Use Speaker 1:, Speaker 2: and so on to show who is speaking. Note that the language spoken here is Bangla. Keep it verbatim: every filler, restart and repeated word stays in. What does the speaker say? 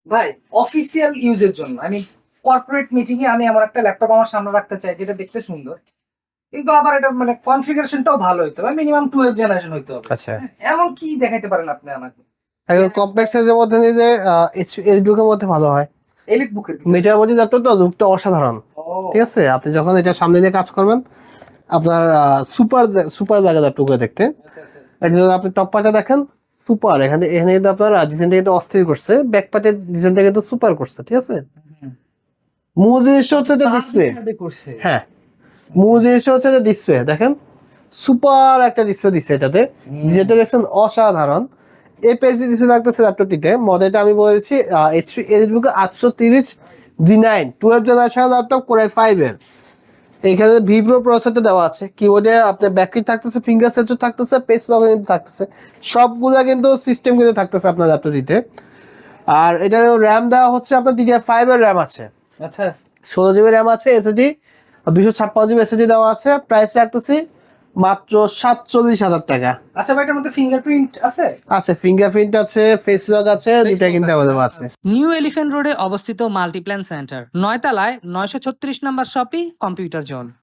Speaker 1: ভাই অফিসিয়াল ইউজের জন্য আমি কর্পোরেট মিটিং এ আমি আমার একটা ল্যাপটপ আমার সামনে রাখতে চাই যেটা দেখতে সুন্দর। কিন্তু আবার এটা মানে কনফিগারেশনটাও ভালো হইতে হবে। মিনিমাম টুয়েলভ জেনারেশন হইতে হবে।
Speaker 2: আচ্ছা,
Speaker 1: হ্যাঁ, এমন কি দেখাইতে পারেন আপনি আমাকে?
Speaker 2: একদম কমপ্লেক্স সাইজের মধ্যে নিয়ে যে এইচবুকের মধ্যে ভালো হয়।
Speaker 1: এলিট বুকের ভিতরে।
Speaker 2: মিটার বডি ল্যাপটপটা লুকটা অসাধারণ। ঠিক
Speaker 1: ও
Speaker 2: আছে, আপনি যখন এটা সামনে দিয়ে কাজ করবেন আপনার সুপার সুপার জায়গা ল্যাপটপগুলো দেখতে।
Speaker 1: আচ্ছা, আচ্ছা।
Speaker 2: এটা যদি আপনি টপ পার্টে দেখেন সুপার, এখানে এখানে কিন্তু আপনার ডিজাইনটা কিন্তু অস্থির করছে, ব্যাক পার্টের ডিজাইনটা কিন্তু সুপার করছে। ঠিক আছে,
Speaker 1: হুম।
Speaker 2: মূল জিনিসটা হচ্ছে যে
Speaker 1: তার
Speaker 2: ডিসপ্লে।
Speaker 1: হিসাবে করছে।
Speaker 2: হ্যাঁ, মূল জিনিসটা হচ্ছে যে ডিসপ্লে দেখেন, সুপার একটা ডিসপ্লে দিচ্ছে এটাতে,
Speaker 1: হুম।
Speaker 2: যেটা দেখছেন অসাধারণ। এপিএসডি ডিসপ্লে থাকতেছে ল্যাপটপটিতে। মডেলটা আমি বলেছি এইচপি এলিটবুক আটশো তিরিশ G nine twelve generation laptop core i five এর। এখানে ভিভ্রো প্রসেসরটা দেওয়া আছে, কিবোর্ডে আপনার ব্যাকলিট থাকতেছে, ফিঙ্গার সেন্সর থাকতেছে, পেস লক কিন্তু থাকতেছে, সবগুলা কিন্তু সিস্টেম কিন্তু থাকতেছে আপনার ল্যাপটপটিতে। আর এটা র্যাম দেওয়া হচ্ছে আপনার ডিডিআর ফাইভ এর র্যাম আছে,
Speaker 1: আচ্ছা।
Speaker 2: ষোলো জিবি র্যাম আছে, এসএসডি দুশো ছাপ্পান্ন জিবি এসএসডি দেওয়া আছে। প্রাইস রাখতেছি মাত্র সাতচল্লিশ হাজার টাকা।
Speaker 1: আচ্ছা ভাই এটার মধ্যে ফিঙ্গারপ্রিন্ট আছে?
Speaker 2: আছে, ফিঙ্গারপ্রিন্ট আছে, ফেস লক আছে, দুটাই কিন্তু অ্যাভেলেবল আছে।
Speaker 3: নিউ এলিফ্যান্ট রোডে অবস্থিত মাল্টিপ্ল্যান সেন্টার, নয়তলায় নয়শো ছত্রিশ নম্বর শপি কম্পিউটার জোন।